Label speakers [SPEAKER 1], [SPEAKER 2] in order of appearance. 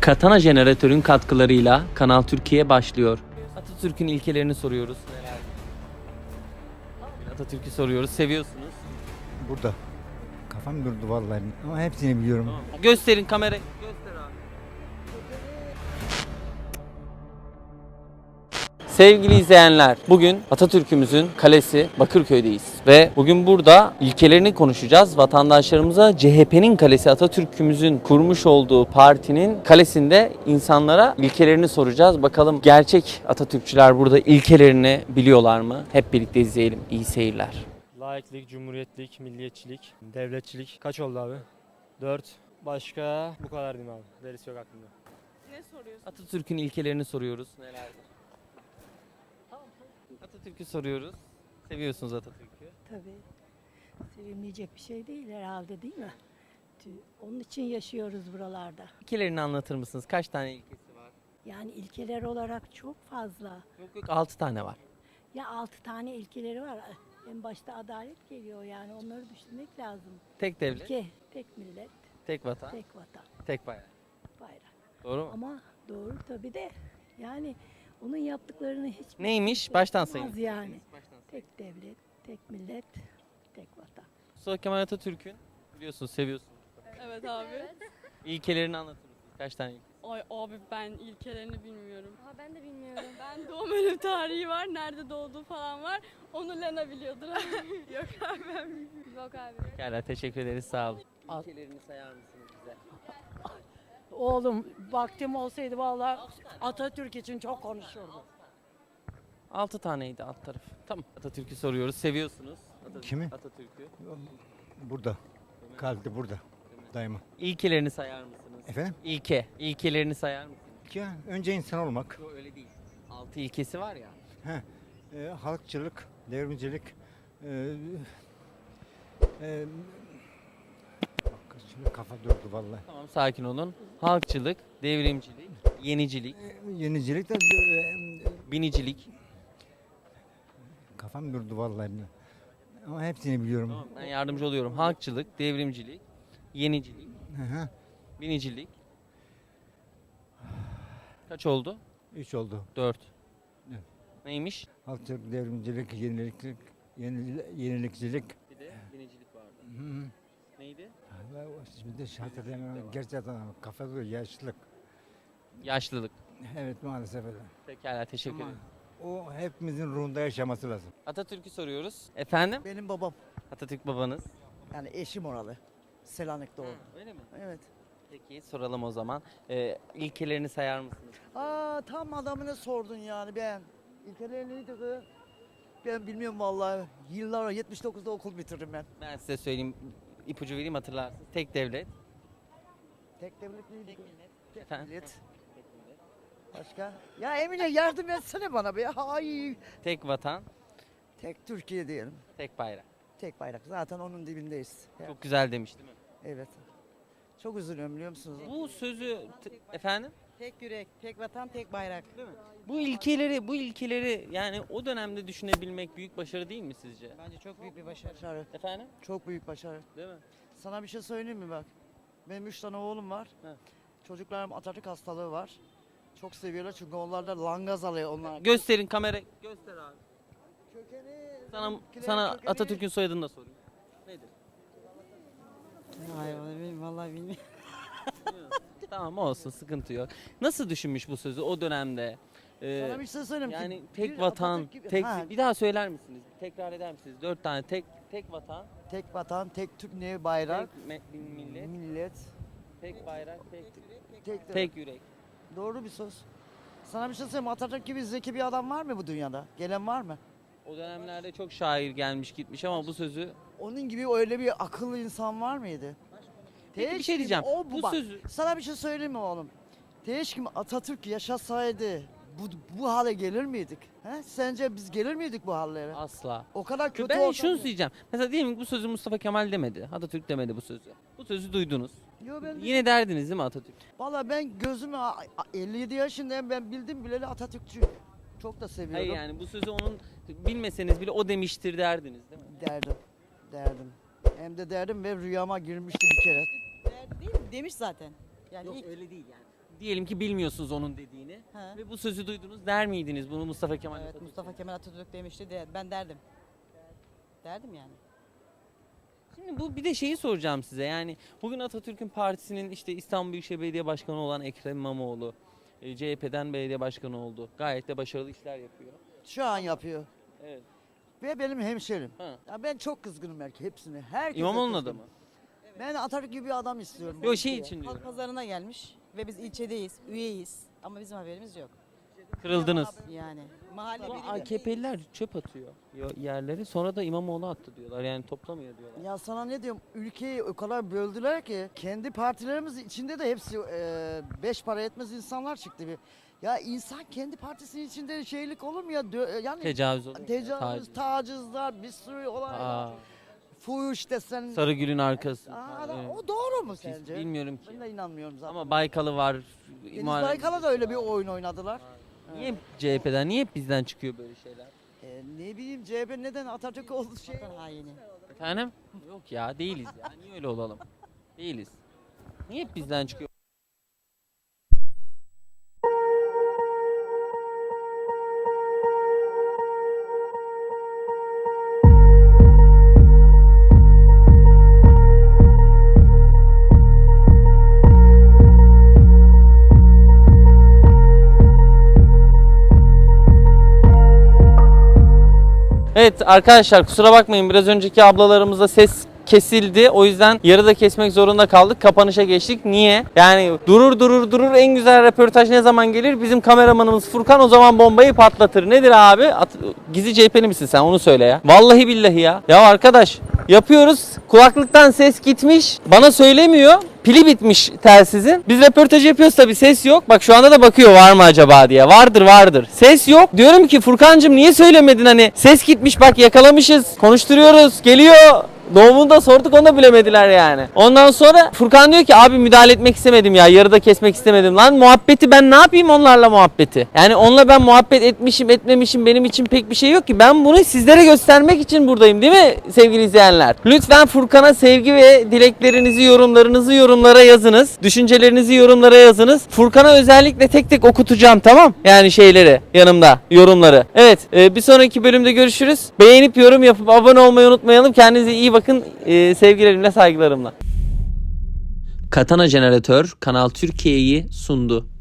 [SPEAKER 1] Katana jeneratörün katkılarıyla Kanal Türkiye başlıyor. Atatürk'ün ilkelerini soruyoruz. Atatürk'ü soruyoruz. Seviyorsunuz.
[SPEAKER 2] Burada. Kafam durdu vallahi ama hepsini biliyorum.
[SPEAKER 1] Gösterin kamerayı. Göster abi. Sevgili izleyenler, bugün Atatürk'ümüzün kalesi Bakırköy'deyiz ve bugün burada ilkelerini konuşacağız. Vatandaşlarımıza CHP'nin kalesi, Atatürk'ümüzün kurmuş olduğu partinin kalesinde insanlara ilkelerini soracağız. Bakalım gerçek Atatürkçüler burada ilkelerini biliyorlar mı? Hep birlikte izleyelim. İyi seyirler.
[SPEAKER 3] Laiklik, cumhuriyetlik, milliyetçilik, devletçilik. Kaç oldu abi? 4. Başka bu kadar diyeyim abi. Derisi yok aklımda.
[SPEAKER 4] Ne soruyorsun?
[SPEAKER 1] Atatürk'ün ilkelerini soruyoruz. Nelerdir? Atatürk'ü soruyoruz. Seviyorsunuz Atatürk'ü.
[SPEAKER 5] Tabii. Sevilmeyecek bir şey değil herhalde, değil mi? Onun için yaşıyoruz buralarda.
[SPEAKER 1] İlkelerini anlatır mısınız? Kaç tane ilkesi var?
[SPEAKER 5] Yani ilkeler olarak çok fazla.
[SPEAKER 1] Yok 6 tane var.
[SPEAKER 5] Ya 6 tane ilkeleri var. En başta adalet geliyor, yani onları düşünmek lazım.
[SPEAKER 1] Tek devlet,
[SPEAKER 5] İlke, tek millet,
[SPEAKER 1] tek vatan,
[SPEAKER 5] tek vatan,
[SPEAKER 1] tek bayrak.
[SPEAKER 5] bayrak.
[SPEAKER 1] Doğru mu?
[SPEAKER 5] Ama doğru tabii de yani onun yaptıklarını hiç
[SPEAKER 1] Neymiş? Baştan sayın.
[SPEAKER 5] yapamaz yani. Tek devlet, tek millet, tek vatan.
[SPEAKER 1] Mustafa Kemal Atatürk'ün biliyorsunuz, seviyorsunuz.
[SPEAKER 4] Evet abi.
[SPEAKER 1] İlkelerini anlatır mısınız? Kaç tane ilke?
[SPEAKER 4] Ay abi ben ilkelerini bilmiyorum.
[SPEAKER 6] Aa, ben de bilmiyorum.
[SPEAKER 4] Ben doğum ölüm tarihi var, nerede doğduğu falan var. Onu Lena biliyordur. Yok abi ben bilmiyorum.
[SPEAKER 6] Yok abi.
[SPEAKER 1] Pekala, teşekkür ederiz. Sağ olun. İlkelerini sayar mısınız bize?
[SPEAKER 7] Oğlum vaktim olsaydı vallahi Atatürk için çok konuşurdum.
[SPEAKER 1] 6 taneydi alt taraf. Tamam. Atatürk'ü soruyoruz. Seviyorsunuz.
[SPEAKER 2] Kimi?
[SPEAKER 1] Atatürk'ü.
[SPEAKER 2] Burada. Kaldı burada. Daima.
[SPEAKER 1] İlkelerini sayar mısınız?
[SPEAKER 2] Efendim?
[SPEAKER 1] İlkelerini sayar mısınız?
[SPEAKER 2] Ki önce insan olmak.
[SPEAKER 1] Yok öyle değil. 6 ilkesi var ya.
[SPEAKER 2] Halkçılık, devrimcilik. Bak, şimdi kafa durdu vallahi.
[SPEAKER 1] Tamam, sakin olun. Halkçılık, devrimcilik, yenicilik,
[SPEAKER 2] Yenicilik de
[SPEAKER 1] binicilik.
[SPEAKER 2] kafam durdu vallahi. Ama hepsini biliyorum.
[SPEAKER 1] Tamam, ben yardımcı oluyorum. Halkçılık, devrimcilik, yenicilik,
[SPEAKER 2] Hı hı.
[SPEAKER 1] binicilik. Kaç oldu?
[SPEAKER 2] 3 oldu.
[SPEAKER 1] 4.
[SPEAKER 2] Evet.
[SPEAKER 1] Neymiş?
[SPEAKER 2] Halkçılık, devrimcilik, yenilikçilik.
[SPEAKER 1] Bir de binicilik vardı.
[SPEAKER 2] Hı hı.
[SPEAKER 1] Neydi?
[SPEAKER 2] Şimdi hatırlayamıyorum. Gerçekten kafa duruyor. Yaşlılık.
[SPEAKER 1] Yaşlılık.
[SPEAKER 2] Evet maalesef öyle.
[SPEAKER 1] Pekala, teşekkür
[SPEAKER 2] Ama
[SPEAKER 1] ederim.
[SPEAKER 2] o hepimizin ruhunda yaşaması lazım.
[SPEAKER 1] Atatürk'ü soruyoruz. Efendim?
[SPEAKER 8] Benim babam.
[SPEAKER 1] Atatürk babanız.
[SPEAKER 8] Yani eşim oralı. Selanik'te doğdu.
[SPEAKER 1] Öyle mi?
[SPEAKER 8] Evet.
[SPEAKER 1] Peki soralım o zaman. İlkelerini sayar mısınız?
[SPEAKER 8] Aa tam adamını sordun yani ben. İlkeler neydi kız? Ben bilmiyorum vallahi. Yıllar 79'da okul bitirdim ben.
[SPEAKER 1] Ben size söyleyeyim, ipucu vereyim, hatırlarsınız. Tek devlet.
[SPEAKER 8] Tek devlet neydi? Tek
[SPEAKER 1] Efendim?
[SPEAKER 8] millet. Başka? Ya Emine yardım etsene bana be. Ay.
[SPEAKER 1] Tek vatan,
[SPEAKER 8] Tek Türkiye diyelim.
[SPEAKER 1] tek bayrak.
[SPEAKER 8] Tek bayrak. Zaten onun dibindeyiz. Ya,
[SPEAKER 1] Çok güzel demiş değil mi?
[SPEAKER 8] evet. Çok üzülüyorum biliyor musunuz?
[SPEAKER 1] Bu sözü efendim?
[SPEAKER 9] Tek yürek, tek vatan, tek bayrak.
[SPEAKER 1] Bu ilkeleri yani o dönemde düşünebilmek büyük başarı değil mi sizce?
[SPEAKER 9] Bence çok büyük bir başarı.
[SPEAKER 8] Başarı.
[SPEAKER 1] Efendim?
[SPEAKER 8] Çok büyük başarı.
[SPEAKER 1] Değil mi?
[SPEAKER 8] Sana bir şey söyleyeyim mi bak? Benim 3 tane oğlum var.
[SPEAKER 1] He.
[SPEAKER 8] Çocuklarım Atatürk hastalığı var. Çok seviyorlar çünkü onlar da langaz alıyor onlar.
[SPEAKER 1] Gösterin kamerayı. Göster abi.
[SPEAKER 8] Kökeni,
[SPEAKER 1] Sana
[SPEAKER 8] kökeni-
[SPEAKER 1] Atatürk'ün soyadını da sorayım. Nedir?
[SPEAKER 9] Hayır, vallahi bilmiyorum.
[SPEAKER 1] Tamam, olsun, sıkıntı yok. Nasıl düşünmüş bu sözü o dönemde?
[SPEAKER 8] Sana bir şey söyleyeyim ki.
[SPEAKER 1] Yani tek
[SPEAKER 8] bir
[SPEAKER 1] vatan,
[SPEAKER 8] Atatürk gibi-
[SPEAKER 1] tek
[SPEAKER 8] Ha,
[SPEAKER 1] bir daha söyler misiniz? Tekrar eder misiniz? 4 tane tek vatan,
[SPEAKER 8] tek vatan, tek Türk ne bayrak,
[SPEAKER 1] millet,
[SPEAKER 8] millet,
[SPEAKER 1] tek bayrak,
[SPEAKER 8] tek,
[SPEAKER 1] tek yürek.
[SPEAKER 8] Doğru bir söz. Sana bir şey söyleyeyim mi? Atatürk gibi zeki bir adam var mı bu dünyada? Gelen var mı?
[SPEAKER 1] O dönemlerde çok şair gelmiş gitmiş ama bu sözü...
[SPEAKER 8] Onun gibi öyle bir akıllı insan var mıydı?
[SPEAKER 1] Peki bir
[SPEAKER 8] Teşkim
[SPEAKER 1] şey diyeceğim.
[SPEAKER 8] o
[SPEAKER 1] Bu
[SPEAKER 8] bak,
[SPEAKER 1] sözü...
[SPEAKER 8] Sana bir şey söyleyeyim mi oğlum? Teşkim Atatürk yaşasaydı bu hale gelir miydik? He? Sence biz gelir miydik bu hallere?
[SPEAKER 1] Asla.
[SPEAKER 8] O kadar kötü
[SPEAKER 1] Ben
[SPEAKER 8] ortam
[SPEAKER 1] şunu
[SPEAKER 8] ya.
[SPEAKER 1] söyleyeceğim. Mesela diyelim ki bu sözü Mustafa Kemal demedi. Atatürk demedi bu sözü. Bu sözü duydunuz.
[SPEAKER 8] Yo ben
[SPEAKER 1] Yine derdiniz değil mi Atatürk?
[SPEAKER 8] Valla ben gözümü 57 yaşındayım, ben bildim bileli Atatürkçü. Çok da seviyorum.
[SPEAKER 1] Hayır, yani bu sözü onun bilmeseniz bile o demiştir derdiniz değil mi?
[SPEAKER 8] Derdim. Hem de derdim ve rüyama girmişti bir kere.
[SPEAKER 9] Değil mi? Demiş zaten. Yani
[SPEAKER 1] Yok
[SPEAKER 9] ilk
[SPEAKER 1] öyle değil yani. Diyelim ki bilmiyorsunuz onun dediğini
[SPEAKER 9] Ha.
[SPEAKER 1] ve bu sözü duydunuz, der miydiniz bunu Mustafa Kemal
[SPEAKER 9] evet,
[SPEAKER 1] Atatürk?
[SPEAKER 9] Mustafa Kemal Atatürk demişti de ben derdim. Derdim yani.
[SPEAKER 1] Şimdi bu bir de şeyi soracağım size, yani bugün Atatürk'ün partisinin işte İstanbul Büyükşehir Belediye Başkanı olan Ekrem İmamoğlu CHP'den belediye başkanı oldu. Gayet de başarılı işler yapıyor.
[SPEAKER 8] Şu an yapıyor.
[SPEAKER 1] Evet.
[SPEAKER 8] Ve benim hemşerim.
[SPEAKER 1] Ha.
[SPEAKER 8] Ya ben çok kızgınım hepsine. Herkese
[SPEAKER 1] İmamoğlu'nun
[SPEAKER 8] kızgınım.
[SPEAKER 1] adamı.
[SPEAKER 8] Ben Atatürk gibi bir adam istiyorum.
[SPEAKER 1] Yok şey için
[SPEAKER 9] Halk
[SPEAKER 1] diyorum.
[SPEAKER 9] pazarına gelmiş ve biz ilçedeyiz, üyeyiz. Ama bizim haberimiz yok.
[SPEAKER 1] Kırıldınız.
[SPEAKER 9] Yani mahalle
[SPEAKER 1] Bu
[SPEAKER 9] birliği-
[SPEAKER 1] AKP'liler çöp atıyor yerleri, sonra da İmamoğlu attı diyorlar, yani toplamıyor diyorlar.
[SPEAKER 8] Ya sana ne diyorum, ülkeyi o kadar böldüler ki kendi partilerimiz içinde de hepsi beş para etmez insanlar çıktı. Ya insan kendi partisinin içinde şeylik olur mu ya? Yani
[SPEAKER 1] Tecavüz oluyor.
[SPEAKER 8] tecavüz, tacizler, bir sürü olaylar.
[SPEAKER 1] Aa,
[SPEAKER 8] Fuhuş desen.
[SPEAKER 1] Sarıgül'ün arkası. Evet.
[SPEAKER 8] O doğru mu
[SPEAKER 1] Biz
[SPEAKER 8] sence?
[SPEAKER 1] bilmiyorum ki.
[SPEAKER 8] Ben de inanmıyorum zaten.
[SPEAKER 1] Ama Baykal'ı var.
[SPEAKER 8] Deniz Baykal'a da öyle bir oyun oynadılar.
[SPEAKER 1] Niye CHP'den, niye hep bizden çıkıyor böyle şeyler?
[SPEAKER 8] Ne bileyim CHP neden Atatürk oldu şey.
[SPEAKER 9] Vatan haini.
[SPEAKER 1] Efendim? Yok ya, değiliz ya. Niye öyle olalım? Değiliz. Niye hep bizden çıkıyor? Evet arkadaşlar, kusura bakmayın, biraz önceki ablalarımızda ses kesildi. O yüzden yarıda kesmek zorunda kaldık. Kapanışa geçtik. Niye? Yani durur en güzel röportaj ne zaman gelir? Bizim kameramanımız Furkan o zaman bombayı patlatır. Nedir abi? Gizli CHP'li misin sen? Onu söyle ya. Vallahi billahi ya. Ya arkadaş, yapıyoruz. Kulaklıktan ses gitmiş. Bana söylemiyor. Pili bitmiş telsizin. Biz röportaj yapıyoruz tabii, ses yok. Bak şu anda da bakıyor var mı acaba diye. Vardır. Ses yok. Diyorum ki Furkancığım niye söylemedin, hani ses gitmiş bak, yakalamışız. Konuşturuyoruz. Geliyor. Doğumunu da sorduk, onu da bilemediler yani. Ondan sonra Furkan diyor ki abi müdahale etmek istemedim ya, yarıda kesmek istemedim. Lan muhabbeti ben ne yapayım onlarla muhabbeti? Yani onunla ben muhabbet etmişim etmemişim benim için pek bir şey yok ki. Ben bunu sizlere göstermek için buradayım, değil mi sevgili izleyenler? Lütfen Furkan'a sevgi ve dileklerinizi, yorumlarınızı yorumlara yazınız. Düşüncelerinizi yorumlara yazınız. Furkan'a özellikle tek tek okutacağım, tamam? Yani şeyleri yanımda, yorumları. Evet, bir sonraki bölümde görüşürüz. Beğenip yorum yapıp abone olmayı unutmayalım. Kendinize iyi bakın. Sevgilerimle, saygılarımla. Katana Jeneratör Kanal Türkiye'yi sundu.